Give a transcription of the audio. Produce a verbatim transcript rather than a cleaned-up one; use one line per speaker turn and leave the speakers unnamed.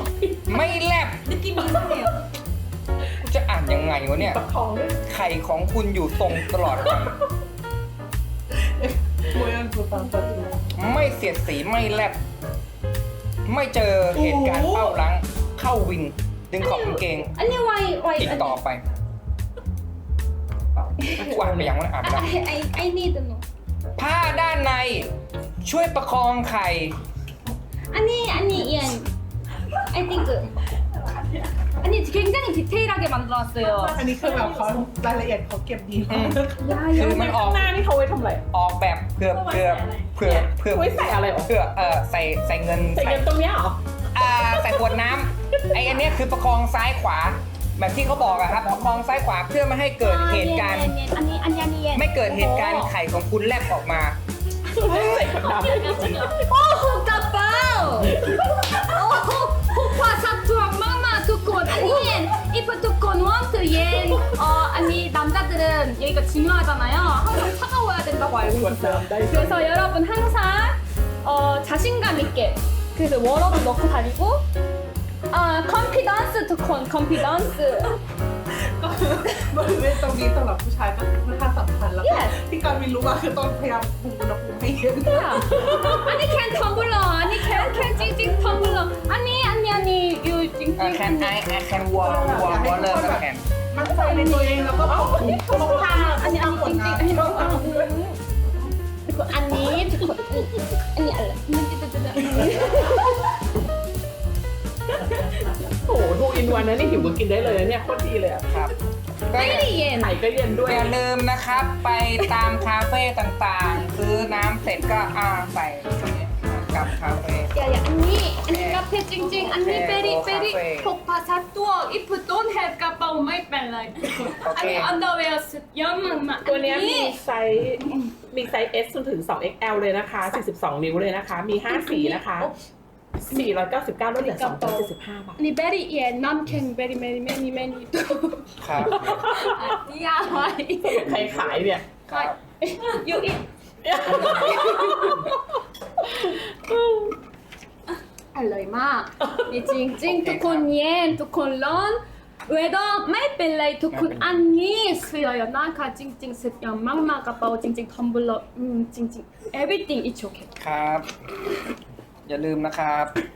ไม่แลบ
느낌이 이상해요.
จะอ่านยังไงวะเนี่ย
ประคองด้วย
ไข่ของคุณอยู่ตรงตลอดไป
โมยันตัวตามตัวจริง
ไม่เสียดสีไม่แลบไม่เจอเหตุการณ์เป้าหลังเข้าวิง ดึงขอบกางเกง
아니 why why
ติดต่อไปกูอ่านไปยังวะอ่านไปแล้ว
I I I need to know.
ผ้าด้านในช่วยประคองไข่
아니 아니 이안 I think 아니 굉장히 디테일하게 만들어놨어요.
อันนี้คือแบบเขารายละเอียดเขาเก็บดีมาก
야
คือ
야.
มันออก
หน้านี่เขาไว้ทำอะไร
ออกแบบเพื่อเพื่อเพื่อเพื่อ
ไว้ใส่อะไรหรอ
เพื่อเออใส่ใส่เงิน
ใส่เงินตรงเนี้ยเหรอ
อ่าใส่ขวดน้ำไออันเนี้ยคือประคองซ้ายขวา แบบที่เขาบอกอะครับประคองซ้ายขวาเพื่อไม่ให้เกิดเหตุการณ์
아니 아니 아니 아니.
ไม่เกิดเหตุการณ์ไข่ของคุณแลบออกมา
ใส่ขวดน้ำได้จริง
오 호가빠오. 오 호파 사투랑 마마 두콘 아니 if 두콘 want to 옌 어 아니 남자들은 여기가 중요하잖아요. 항상 차가워야 된다고
ๆ
알고
ขวด
있어요.
น้ำได้
그래서 여러분 항상 어 자신감 있게 그래서 워러도 넣고 다니고 아 confidence 두콘 confidence.
ก็คือบริเวณตรงนี้สำหรับผู้ชายก็คือค่อนข้างสำคัญแล้วก็
Yes.
ที่การมินรู้มาคือต้องพยายามคุมอุณหภูมิให้เย็น
아니 캔 텀블러 아니 캔 캔 찡찡 텀블러 아니 아니 아니 유 찡찡
แคนไอแคนวอลวอลวอลเลอร์ก็แคน
มันใจในตัวเองแล้วก็ควบคุมควบคุม
아니 아니 찡찡 아니 뭐 아그 아니 두콘 아니 알라
โอ้โหทูอินวันนะนี่หิวก็กินได้เลยนะเนี่ยโคตรดีเลยอะ
ครับก็อย่า
빨리 옌
ไข่ก็เย็นด้วย
อย่าลืมนะครับ ไปตามคาเฟ่ต่างๆ ซื้อน้ำเสร็จก็อ่าใส่กลับคาเฟ่
야야 언니 언니 카페 찡찡 언니
오케이,
베리
뭐
베리
카페.
폭파 사투어 if don't have 까빠 오마이 뺄라
오케이.
아니 언더웨어 스 연막막
ตัวเนี้ยมีไซส์มีไซส์ S จนถึง สอง เอ็กซ์ แอล เลยนะคะ สี่สิบสอง นิ้วเลยนะคะ มี ห้า สีนะคะ สี่ร้อยเก้าสิบเก้าลดเหลือสองร้อยเจ็ดสิบห้าบาท
언니 베리 예 남캔 베리 메리 매니 매니
ครับ
아니야 와이
ใครขายเนี่ย
ครับ
you eat อร่อยมากนี่จริงจริงทุกคนเย็นทุกคนร้อนเวลาไม่เป็นไรทุกคนอันนี้สวยนะคะจริงจริงสุดยอดมากมากกระเป๋าจริงจริงทอมบุลอืมจริงจริง everything is okay
ครับ อย่าลืมนะครับ